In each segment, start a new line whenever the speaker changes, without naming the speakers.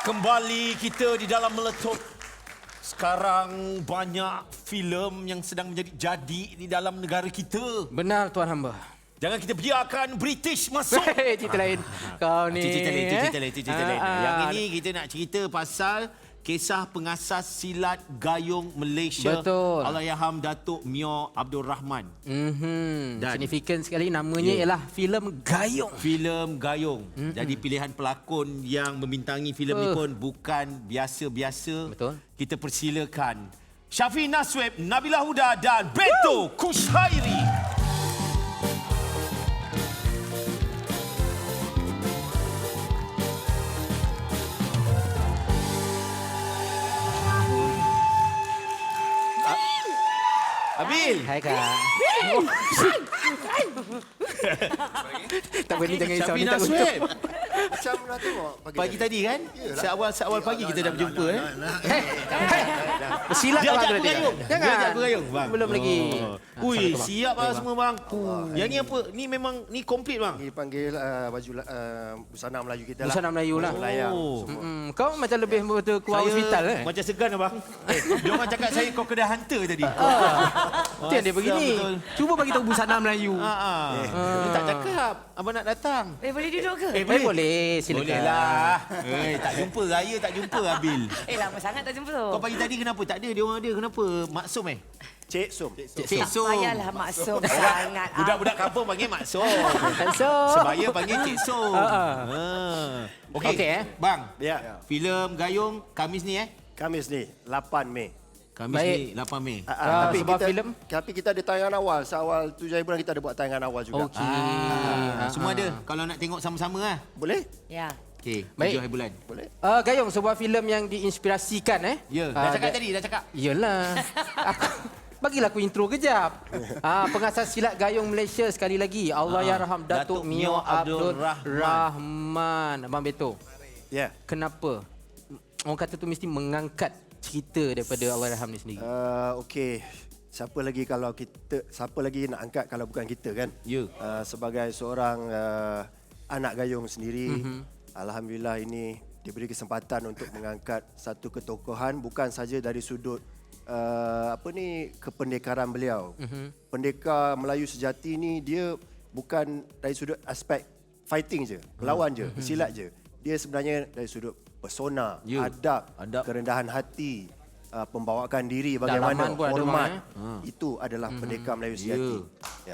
Kembali kita di dalam meletup. Sekarang banyak filem yang sedang menjadi jadi di dalam negara kita.
Benar Tuan Hamba.
Jangan kita biarkan British masuk.
Cerita lain. Kau ni.
Cerita lain. Yang ini kita nak cerita pasal kisah pengasas silat gayung Malaysia.
Betul.
Allahyarham Datuk Mio Abdul Rahman. Dan
Signifikan sekali namanya ialah filem Gayung.
Filem Gayung. Jadi pilihan pelakon yang membintangi filem ni pun bukan biasa-biasa.
Betul.
Kita persilakan Syafi Nasweb, Nabila Huda dan Beto Kushairi. Abil.
Hai Kak. Tak boleh jangan risau
Syafi
ni tak untuk.
Nasweb.
Macam nak tengok
Pagi tadi kan? Seawal pagi kita dah berjumpa kan?
Silat
Dia
abang
ajak
tu
aku
nanti.
gayung. Dia ajak aku gayung, bang.
Belum lagi.
Ui, siap lah semua bang. Yang ni apa? Ni memang ni komplit bang.
Ini dipanggil baju busana Melayu kita lah.
Busana Melayu lah.
Layang.
Kau macam lebih betul keluar hospital eh?
Macam segan abang. Dia orang cakap saya kau kena hunter tadi.
Itu yang dia begini.
betul.
Cuba bagi tahu busana Melayu.
Dia tak cakap. Abang nak datang.
Boleh duduk ke?
Boleh, silakan.
Boleh lah. Tak jumpa. Raya tak jumpa Abil.
Lama sangat tak jumpa tu.
Kau pagi tadi kenapa? Tak ada. Dia orang ada. Kenapa? Maksum
Cik Sum.
Cik
Tak
Som.
payahlah maksum sangat.
Budak-budak kampung panggil Maksum.
So,
Sebaya panggil Cik Som. Okey.
Okey,
Bang.
Ya.
Filem Gayung Khamis ni
Khamis ni 8 Mei.
Khamis
Baik.
ni 8 Mei.
sebab filem?
Tapi kita ada tayangan awal. Seawal 7 hari bulan kita ada buat tayangan awal juga.
okey.
Semua ada. Kalau nak tengok sama-sama lah.
Boleh?
Ya.
Okey,
Baik.
7 hari bulan.
Boleh.
Gayung sebuah filem yang diinspirasikan
Ya, dah cakap tadi, dah cakap.
Iyalah. Bagilah aku intro kejap. Pengasas silat gayung Malaysia sekali lagi. Allahyarham Datuk Mio Abdul Rahman. Abang Beto.
Ya.
Kenapa orang kata tu mesti mengangkat cerita daripada Allahyarham ni sendiri?
Okey. Siapa lagi nak angkat kalau bukan kita kan?
Ya.
Sebagai seorang anak gayung sendiri, alhamdulillah ini diberi kesempatan untuk mengangkat satu ketokohan bukan saja dari sudut kependekaran beliau. Pendekar Melayu sejati ni dia bukan dari sudut aspek fighting je, melawan je, bersilat je. Dia sebenarnya dari sudut persona, adab, kerendahan hati, pembawaan diri, bagaimana
Dalaman pun ada,
hormat.
Mak,
Itu adalah pendekar Melayu sejati. Ya.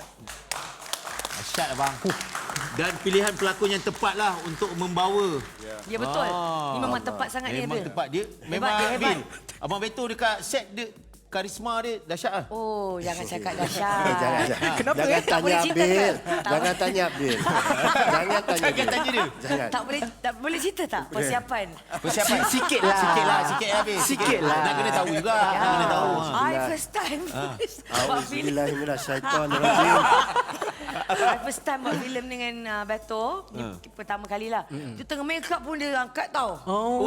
Asyik abang. Dan pilihan pelakon yang tepat lah untuk membawa.
Ya betul. Ni memang tepat sangat dia.
Memang tepat. Dia memang
dia hebat.
Bil. Abang Beto dekat set dia, karisma dia dahsyat lah.
Oh, jangan cakap dahsyat.
Jangan.
Kenapa,
Jangan
tak boleh
tanya
cerita
Abil.
ke?
Jangan tanya Abil. Jangan tanya
Jangan
Abil.
tanya dia.
Jangan.
Tak boleh cerita tak persiapan?
Persiapan.
Sikit lah.
Sikit lah Bil.
Sikit lah.
Nak kena tahu juga. Nak kena tahu.
I first time. Buat filem.
Auzubillahiminasyaitonirrajim.
I first time buat filem dengan Beto. Ni pertama kali lah. Dia tengah make up pun dia angkat tau.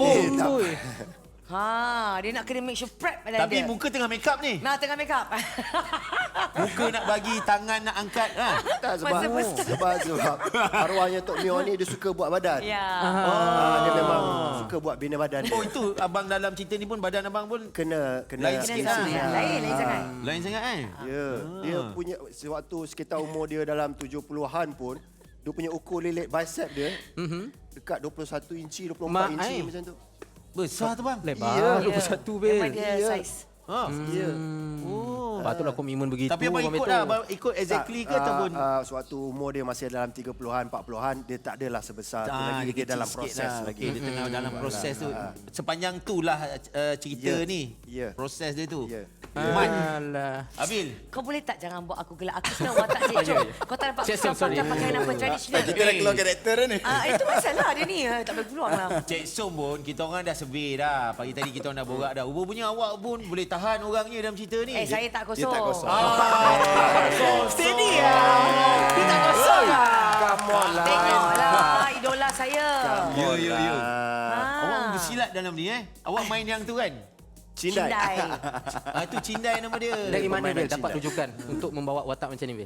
Dia nak kena make sure prep badan
Tapi
dia.
muka tengah make up ni.
Nah, tengah make up.
Muka nak bagi, tangan nak angkat.
Tak,
Masa first time.
sebab arwahnya Tok Mio ni dia suka buat badan.
Ya.
Dia memang suka buat bina badan dia.
Oh itu abang dalam cerita ni pun badan abang pun
Kena
Lain sikit lah.
Lain sangat.
lain sangat kan?
Ya, dia punya sewaktu sekitar umur dia dalam 70-an pun dia punya ukur lilit bicep dia dekat 21 inci, 24 inci macam tu.
Besar tu bang.
Lebar 21 Bil.
Memang dia size.
Ya.
Patutlah komitmen begitu.
Tapi abang
Abang
ikut
Beto.
lah, abang ikut exactly ke ataupun
sewaktu umur dia masih dalam 30-an, 40-an, dia tak adalah sebesar tu lagi, dia
kecil
dalam
sikit
proses
lah.
lagi.
Okey, dia tengah dalam proses tu. Sepanjang tu lah cerita
Ya.
ni.
Ya.
Proses dia tu.
Ya.
Alah.
Abil,
Kau boleh tak jangan buat aku gelak. Aku sedang watak Cik Chong. Kau tak dapat
Cik Chong, sorry.
pakai pakaian apa tradisional.
Kita dah keluar karakter ni.
Itu masalah dia ni. Tak boleh keluar lah.
Cik Som pun kita orang dah survey dah. Pagi tadi kita orang dah borak dah. Rupanya awak pun boleh tahan orangnya dalam cerita ni.
Saya tak kosong.
Dia tak kosong.
Steady lah.
Dia tak kosong lah.
Come on lah.
Tengoklah idola saya.
Ya.
Ah.
Awak bersilat dalam ni Awak main yang tu kan?
Cindai.
Itu Cindai nama dia.
Dari mana
Permainan
Bil dapat
cinta.
rujukan untuk membawa watak macam ni Bil?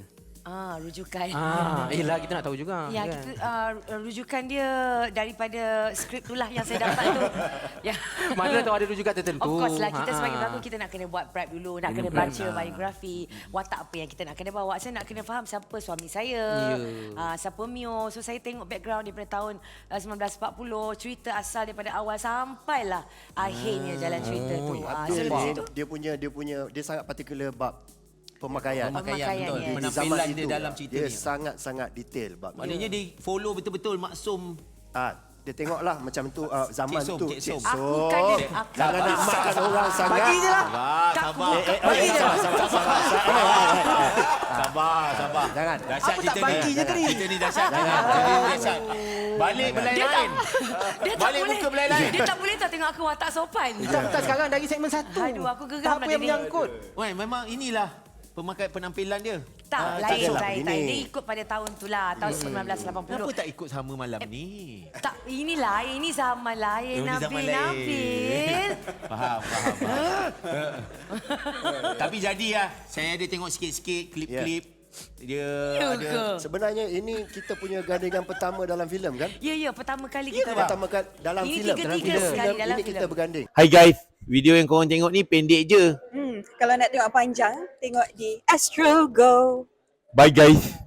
Rujukan.
Yelah kita nak tahu juga.
Ya,
kan?
kita rujukan dia daripada skrip itulah yang saya dapat tu. Ya.
Mana tahu ada rujukan tertentu.
Of course lah, kita sebagai pelakon kita nak kena buat prep dulu, nak kena baca biografi, watak apa yang kita nak kena bawa. Saya nak kena faham siapa suami saya, siapa Mio. So saya tengok background daripada tahun 1940, cerita asal daripada awal sampailah akhirnya jalan cerita tu. So lepas itu
Dia sangat particular bab pemakaian.
Pemakaian,
betul.
yes.
Di
Penampilan
zaman
dia
itu,
dalam cerita
dia
ni.
sangat-sangat detail bab ni.
Maknanya dia follow betul-betul maksum.
Dia tengoklah macam tu zaman
Cik Som,
tu.
Cik Som.
Aku kan dia,
Jangan nak makan orang sangat.
Bagi je lah.
Sabar.
Jangan.
Dahsyat
Apa tak
cerita
bagi
ni.
je tadi?
Cerita ni dahsyat. Cerita ni dahsyat. Balik belai lain.
Dia tak
Balik
boleh.
muka belai lain.
Dia tak boleh tak tengok aku watak sopan.
Tak sekarang dari segmen 1.
Aduh, aku geram
Apa
nak
yang
jadi.
menyangkut?
Wah, memang inilah pemakai penampilan dia.
Tak,
tak
lain.
adalah begini.
Dia ikut pada tahun tu lah, tahun 1980.
Kenapa tak ikut sama malam ni?
Tak, ini lain, ini zaman lain,
Ini zaman lain.
Nabil.
Faham. Tapi jadi lah. Saya ada tengok sikit-sikit klip-klip. Dia
Ya
ada.
ke?
Sebenarnya ini kita punya gandingan pertama dalam filem kan?
Ya, pertama kali kita
Pertama kali dalam
Ini
filem.
tiga-tiga sekali dalam
Ini
filem.
kita berganding.
Hai guys, video yang korang tengok ni pendek je.
Kalau nak tengok panjang, tengok di Astro Go.
Bye guys.